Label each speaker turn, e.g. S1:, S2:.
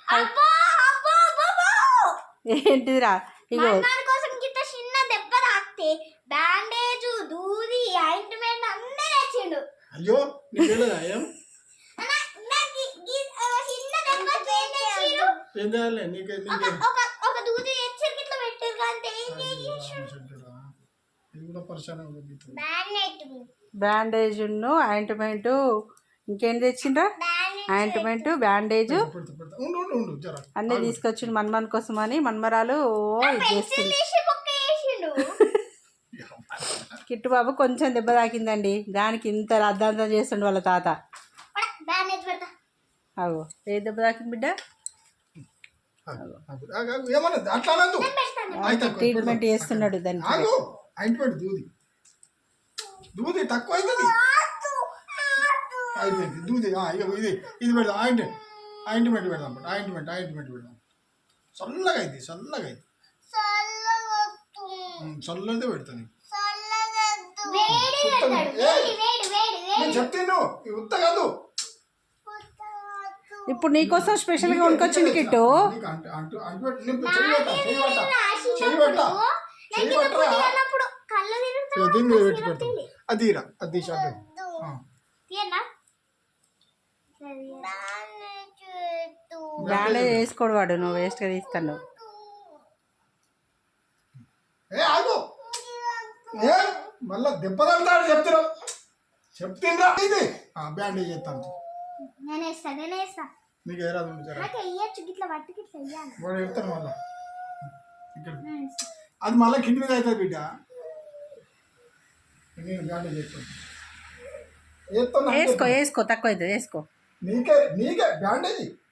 S1: ఏంటిదిరా ఇగో
S2: కోసం గిట్ట చిన్న దెబ్బ తాకితే బ్యాండేజ్ దూది ఆయింట్మెంట్ అన్నీ తెచ్చిండు.
S3: అయ్యో నీకు తెలియదా ఏం ఏం చేయాలి నీకు
S2: ఒక దూది తెచ్చి గిట్ల పెట్టారు కానీ
S3: ఇది కూడా పరిశాన
S1: బ్యాండేజ్ ఆయింట్మెంట్ ఇంకేం తెచ్చిండ్రా ఆయింట్మెంట్ బ్యాండేజ్ అన్నీ తీసుకొచ్చిండు మన్మన్ కోసం అని మన్మరాలు ఇది చేస్తుంది. కిట్టు బాబు కొంచెం దెబ్బ తాకిందండి దానికి ఇంత అర్ధాంతం చేస్తుండు వాళ్ళ తాత. అగో ఏ దెబ్బ తాకింది బిడ్డ ట్రీట్మెంట్ చేస్తున్నాడు దానికి.
S3: దూది తక్కువ అవుతుంది అయిపోయింది దూది ఇది పెడదాం ఆయింట్మెంట్ పెడదాం ఆయింట్మెంట్ పెడదాం చల్లగా అయింది చల్లదే పెడతాను నేను చెప్తాను ఉత్త కాదు.
S1: ఇప్పుడు నీకోసం స్పెషల్గా వండుకొచ్చింది కిట్టు.
S3: దీన్ని మీద పెట్టి పెడతాం అదిరా అది
S1: బ్యాండేజ్ వేసుకోడు వాడు నువ్వు వేస్ట్గా తీస్తాను.
S3: మళ్ళా దెబ్బతంటాడు చెప్తున్నా ఇది బ్యాండేజ్ చేస్తాను నీకు ఏ రాదు వాడు చెప్తాను మళ్ళా ఇక్కడ అది మళ్ళీ కింది మీద అవుతుంది బిడ్డ. నేను బ్యాండేజ్ చేస్తాను
S1: వేసుకో తక్కువ అవుతుంది వేసుకో
S3: నీకే బ్యాండేజ్